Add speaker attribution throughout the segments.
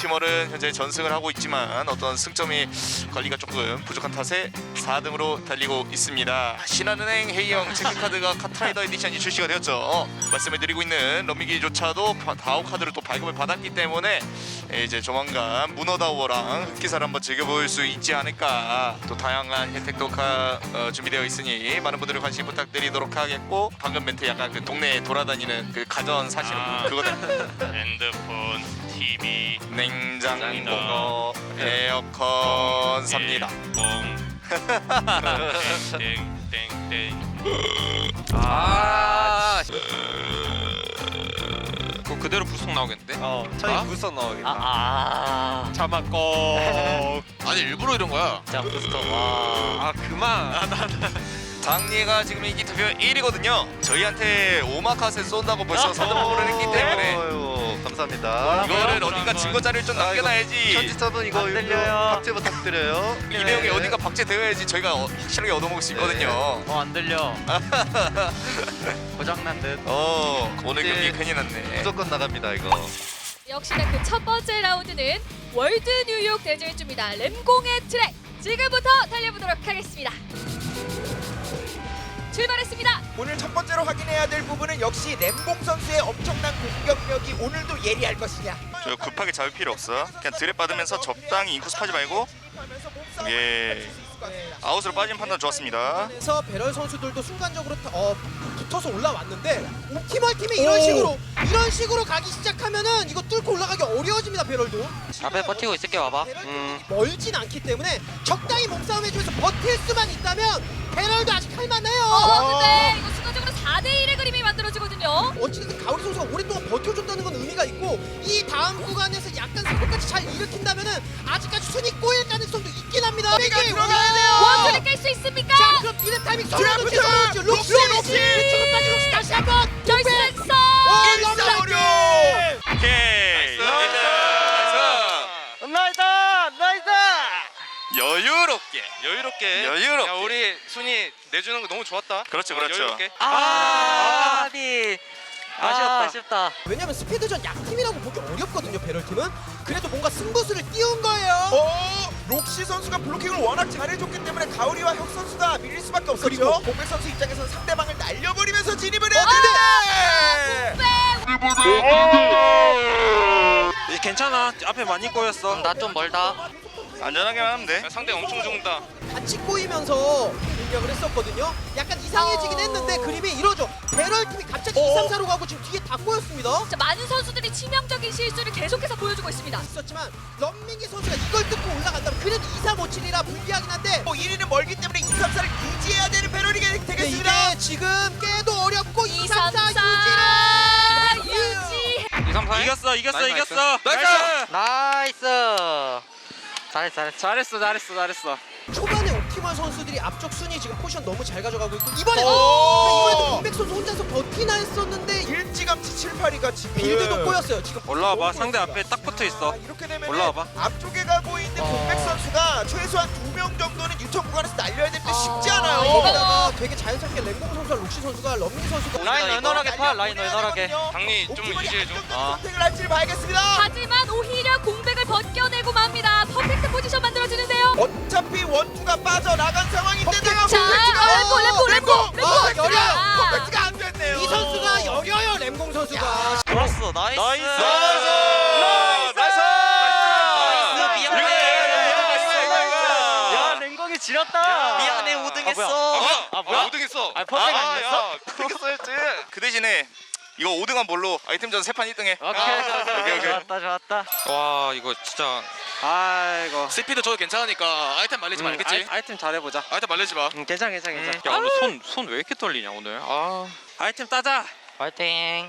Speaker 1: 옵티멀은 현재 전승을 하고 있지만 어떤 승점이 관리가 조금 부족한 탓에 4등으로 달리고 있습니다. 신한은행 H형 체크카드가 카트라이더 에디션이 출시가 되었죠. 말씀을 드리고 있는 런미기조차도 다오 카드를 또 발급을 받았기 때문에 이제 조만간 문어다오랑 흑기사를 한번 즐겨볼 수 있지 않을까. 또 다양한 혜택도 준비되어 있으니 많은 분들의 관심 부탁드리도록 하겠고, 방금 멘트 약간 그 동네에 돌아다니는 그 가전 사시는 분 그거는
Speaker 2: 핸드폰, TV,
Speaker 1: 냉장고, 에어컨 삽니다.
Speaker 2: 땡땡땡땡.
Speaker 3: 그거 그대로 불속 나오겠는데?
Speaker 4: 저희 불속 나오겠다.
Speaker 3: 잡았고.
Speaker 2: 아니 일부러 이런 거야.
Speaker 4: 자 부스터 와.
Speaker 3: 그만.
Speaker 1: 장리가 지금 인기 투표 1위거든요. 저희한테 오마카세 쏜다고 벌써 선동을 했기 때문에
Speaker 4: 아유, 감사합니다.
Speaker 1: 이거를 어딘가 증거 자료를 좀 남겨놔야지.
Speaker 4: 편집자분 이거
Speaker 5: 안 들려요.
Speaker 4: 박제 부탁드려요.
Speaker 1: 이 내용이 어딘가 박제되어야지 저희가 확실하게 얻어먹을 수 있거든요.
Speaker 5: 안 들려. 고장난 듯.
Speaker 1: 오늘
Speaker 4: 이제
Speaker 1: 경기 큰일 났네.
Speaker 4: 무조건 나갑니다 이거.
Speaker 6: 역시나 그 첫 번째 라운드는 월드 뉴욕 대질주입니다. 램공의 트랙 지금부터 달려보도록 하겠습니다. 출발했습니다.
Speaker 7: 오늘 첫 번째로 확인해야 될 부분은 역시 램공 선수의 엄청난 공격력이 오늘도 예리할 것이냐.
Speaker 1: 저 급하게 잡을 필요 없어. 그냥 드랩 받으면서 적당히 인코스 파지 말고. 예. 아웃으로 빠진 판단 좋았습니다.
Speaker 7: 그래서 배럴 선수들도 순간적으로 붙어서 올라왔는데 옵티멀 팀이 이런 식으로 가기 시작하면은 이거 뚫고 올라가기 어려워집니다. 배럴도.
Speaker 5: 앞에 버티고 있을게 와봐.
Speaker 7: 배럴도 멀진 않기 때문에 적당히 몸싸움 해주면서 버틸 수만 있다면 배럴도 아직 할만해요.
Speaker 6: 근데 이거 순간적으로 4대1의 그림이 만들어지거든요.
Speaker 7: 어찌됐든 가오리 선수가 오랫동안 버텨줬다는 건 의미가 있고, 이 다음 구간에서 약간 사고까지 잘 일으킨다면은 아직까지 순위 꼬일 가능성도 있긴 합니다. 이게 들어가야 돼요.
Speaker 6: 원투를 깰 수 있습니까?
Speaker 7: 자, 그럼 이런 타이밍 록시 조금까지 록시 다시 한번
Speaker 6: 결승선!
Speaker 7: 일사오류.
Speaker 1: 오케이.
Speaker 5: 나이스!
Speaker 1: 여유롭게.
Speaker 3: 야 우리 순위 내주는 거 너무 좋았다.
Speaker 1: 그렇죠.
Speaker 3: 여유롭게.
Speaker 5: 아비. 아쉽다.
Speaker 7: 왜냐면 스피드전 약팀이라고 보기 어렵거든요. 배럴팀은. 그래도 뭔가 승부수를 띄운 거예요.
Speaker 8: 록시 선수가 블로킹을 워낙 잘해줬기 때문에 가오리와 혁 선수가 밀릴 수밖에 없었죠. 공백 선수 입장에서는 상대방을 날려버리면서 진입을 해야 되는데
Speaker 3: 괜찮아. 앞에 많이 꼬였어.
Speaker 5: 나 좀 멀다.
Speaker 1: 안전하게만 하면 돼.
Speaker 3: 상대 엄청 죽는다.
Speaker 7: 같이 꼬이면서 공격을 했었거든요. 약간 이상해지긴 했는데 그림이 이러죠. 배럴팀이 갑자기 2, 3, 4로 가고 지금 뒤에 다 꼬였습니다.
Speaker 6: 자, 많은 선수들이 치명적인 실수를 계속해서 보여주고 있습니다.
Speaker 7: 있었지만 런민기 선수가 이걸 뚫고 올라간다면 그래도 2, 3, 5, 7이라 불리하긴 한데
Speaker 8: 1위는 멀기 때문에 2, 3, 4를 유지해야 되는 배럴이
Speaker 7: 근데
Speaker 8: 되겠습니다.
Speaker 7: 이게 지금 깨도 어렵고 2, 3, 4
Speaker 6: 유지!
Speaker 3: 2, 3, 4 이겼어.
Speaker 5: 나이스.
Speaker 3: 잘했어.
Speaker 7: 초반에 옵티멀 선수들이 앞쪽 순위 지금 포지션 너무 잘 가져가고 있고 이번에도 공백 선수 혼자서 버티나 했었는데
Speaker 8: 일찌감치 7, 8위가 지금
Speaker 7: 빌드도 꼬였어요. 지금
Speaker 3: 올라와봐. 상대 앞에 딱 붙어 있어.
Speaker 8: 이렇게 되면
Speaker 3: 올라와봐.
Speaker 8: 앞쪽에 가고 있는 공백 선수가 최소한 2명 정도는 유턴 구간에서 날려야 되는데 쉽지
Speaker 7: 아,
Speaker 8: 않아요.
Speaker 7: 이거다가 되게 자연스럽게 램공 선수와 록시 선수가 런민기 선수가
Speaker 5: 라인 널널하게 파. 라인 널널하게.
Speaker 3: 장리 좀 유지해줘.
Speaker 8: 선택을 할지를 봐야겠습니다.
Speaker 6: 하지만 오히려 공백을 벗겨내고 맙니다. 퍼펙트 포지션 만들어지는데요.
Speaker 8: 어차피 원투가 빠져나간 상황인데다가
Speaker 6: 자, 램보!
Speaker 7: 여려!
Speaker 8: 퍼펙트가 안 됐네요.
Speaker 7: 이 선수가 여려요. 램공 선수가
Speaker 5: 좋았어. 나이스. 야, 랭공이 지렸다. 미안해, 5등했어.
Speaker 3: 뭐야? 5등했어.
Speaker 5: 퍼펙트 아니었어?
Speaker 1: 그렇게 써야지. 그 대신에 이거 5등한 뭘로 아이템전 3판 1등해.
Speaker 5: 오케이. 좋았다.
Speaker 3: 와 이거 진짜.
Speaker 5: 아이고.
Speaker 2: 스피드 저도 괜찮으니까 아이템 말리지 말겠지?
Speaker 3: 아이템 잘해보자.
Speaker 2: 아이템 말리지 마.
Speaker 5: 괜찮아.
Speaker 3: 야 오늘 손 왜 이렇게 떨리냐 오늘. 아이템 따자.
Speaker 5: 파이팅.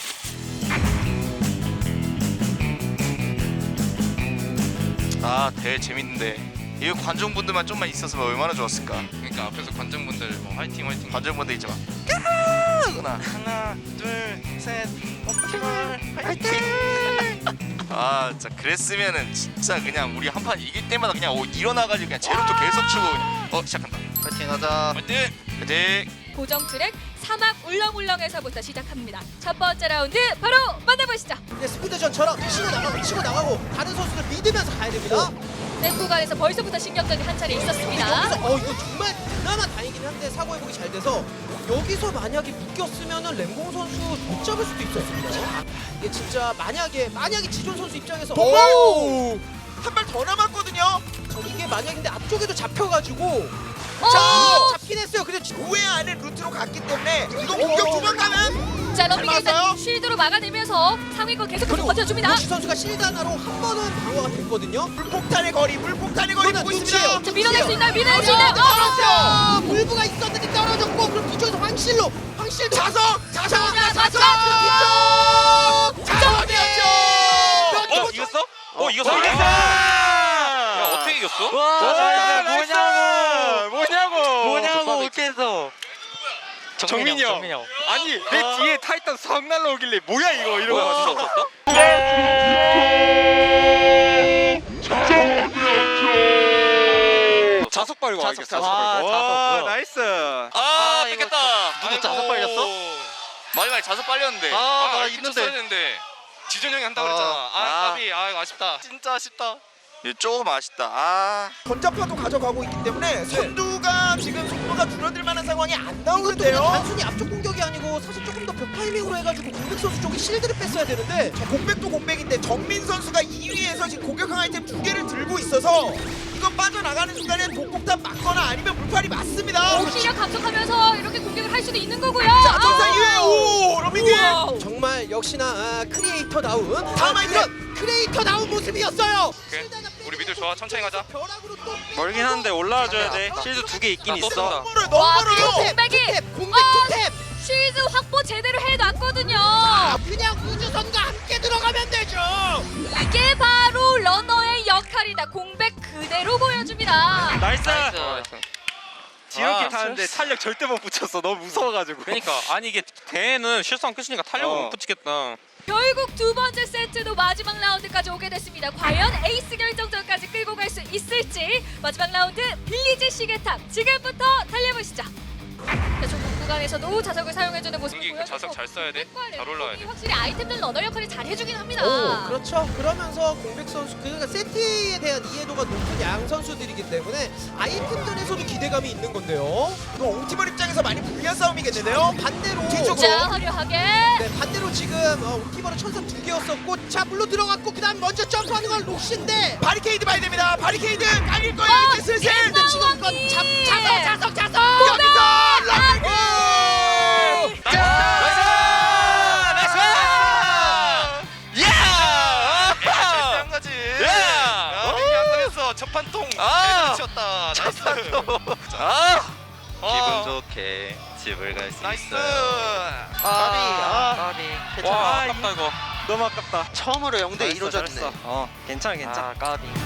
Speaker 1: 대회 재밌는데 이거 관중분들만 좀만 있었으면 얼마나 좋았을까.
Speaker 3: 그러니까 앞에서 관중분들 뭐 화이팅.
Speaker 1: 관중분들 있잖아. 하나, 둘, 셋, 옵티멀 화이팅! 진짜 그랬으면은 진짜 그냥 우리 한 판 이길 때마다 그냥 일어나가지고 그냥 제로도 계속 추고 그냥 시작한다.
Speaker 4: 파이팅 하자.
Speaker 1: 화이팅!
Speaker 6: 고정 트랙 사막 울렁울렁에서부터 시작합니다. 첫 번째 라운드 바로 만나보시죠.
Speaker 7: 이제 스피드전처럼 치고 나가고 다른 선수들 믿으면서 가야 됩니다.
Speaker 6: 샘 구간에서 벌써부터 신경전이 한 차례 있었습니다.
Speaker 7: 여기서 이거 정말 그나마 다행이긴 한데 사고 회복이 잘 돼서 여기서 만약에 묶였으면은 램공 선수 못 잡을 수도 있었습니다. 이게 진짜 만약에 지존 선수 입장에서
Speaker 8: 한 발 더 남았거든요.
Speaker 7: 이게 만약에 근데 앞쪽에도 잡혀가지고 잡긴 했어요. 그래서
Speaker 8: 우회 안에 루트로 갔기 때문에 이거 공격 두 번 가면
Speaker 6: 자, 럼밍이 일단
Speaker 8: 맞아요?
Speaker 6: 쉴드로 막아내면서 상위권 계속해서 버텨줍니다.
Speaker 7: 루시 선수가 실드 하나로 한 번은 방어가 됐거든요.
Speaker 8: 물폭탄의 거리 보고 있습니다.
Speaker 6: 자, 밀어낼 수 있나요? 밀어낼 수 있나요?
Speaker 7: 떨어졌어요. 물부가 있었는데 떨어졌고 그럼 뒤쪽에서 황실도
Speaker 8: 자석
Speaker 3: 이겼어? 이겼어. 야 어떻게 이겼어?
Speaker 5: 뭐냐고 웃겨서.
Speaker 3: 정민이 형. 아니 내 뒤에 타이탄 석 날라오길래 뭐야 이거 이러고 왔어. 자석 빨고 와야겠어.
Speaker 5: 뭐야.
Speaker 4: 나이스.
Speaker 3: 뺏겼다.
Speaker 5: 누구 자석 빨렸어?
Speaker 2: 마지막에 자석 빨렸는데.
Speaker 4: 나
Speaker 2: 있는데. 했는데. 지준 형이 한다고 그랬잖아. 까비. 이거 아쉽다. 진짜 아쉽다.
Speaker 1: 조금 아쉽다.
Speaker 8: 전자파도 가져가고 있기 때문에 선두가 지금 속도가 줄어들 만한 상황이 안
Speaker 7: 이것도 그냥
Speaker 8: 나오는데요.
Speaker 7: 단순히 앞쪽 공격이 아니고 사실 조금 더 벽 타이밍으로 해가지고 공백 선수 쪽에 실드를 뺐어야 되는데
Speaker 8: 공백도 공백인데 정민 선수가 2위에서 지금 공격형 아이템 2개를 들고 있어서 이거 빠져나가는 순간에 독폭탄 맞거나 아니면 물팔이 맞습니다.
Speaker 6: 오히려 감속하면서 이렇게 공격을 할 수도 있는 거고요.
Speaker 8: 자, 전사 2회 오 러밍이
Speaker 7: 정말 역시나 크리에이터다운
Speaker 8: 다음 아이템!
Speaker 7: 그런 크리에이터다운 모습이었어요.
Speaker 2: 우리 미들 좋아. 천천히 가자.
Speaker 7: 벼락으로 또
Speaker 3: 멀긴 한데 올라와줘야 돼. 실드 2개 있긴 있어.
Speaker 8: 너무
Speaker 6: 와,
Speaker 8: 멀어요.
Speaker 6: 공백이
Speaker 7: 공백 투탭
Speaker 6: 쉴드 확보 제대로 해놨거든요.
Speaker 7: 그냥 우주선과 함께 들어가면 되죠.
Speaker 6: 이게 바로 러너의 역할이다. 공백 그대로 보여줍니다.
Speaker 3: 나이스.
Speaker 4: 지옥이 타는데 탄력 절대 못 붙였어. 너무 무서워가지고.
Speaker 3: 그러니까 아니 이게 대회는 실수한 끝이니까 탄력을 못 붙이겠다.
Speaker 6: 결국 두 번째 세트도 마지막 라운드까지 오게 됐습니다. 과연 에이스 결정전까지 끌고 갈 수 있을지. 마지막 라운드 빌리지 시계탑 지금부터 달려보시죠. 자, 좁은 구간에서도 자석을 사용해주는 모습을
Speaker 2: 공기
Speaker 6: 보여주고
Speaker 2: 자석 잘 써야 돼. 잘 올라와야 돼.
Speaker 6: 확실히 아이템들 러너 역할을 잘 해주긴 합니다.
Speaker 7: 오, 그렇죠. 그러면서 공백 선수 그러니까 세트에 대한 이해도가 높은 양 선수들이기 때문에 아이템전에서도 기대감이 있는 건데요.
Speaker 8: 이거 옹티벌 입장에서 많이 불리한 싸움이겠는데요.
Speaker 7: 반대로
Speaker 8: 뒤쪽으로.
Speaker 6: 자, 화려하게
Speaker 7: 네, 반대로 지금 옹티버는 천사 2개였었고 자 물로 들어갔고 그다음 먼저 점프하는 건 록시인데
Speaker 8: 바리케이드 봐야 됩니다. 바리케이드 깔릴 거예요. 이제 슬슬.
Speaker 7: 근데 지금 이건 자석
Speaker 8: 여기서 러밍
Speaker 2: 한 가지. 민기 한 거였어. 첫판 통. 미쳤다. 나이스.
Speaker 4: 기분 좋게 집을 갈 수
Speaker 2: 나이스.
Speaker 4: 있어요.
Speaker 5: 까비.
Speaker 3: 와 아깝다 이거.
Speaker 4: 너무 아깝다.
Speaker 5: 처음으로 0대 2로
Speaker 4: 잘했어,
Speaker 5: 졌네.
Speaker 4: 괜찮아.
Speaker 5: 까비.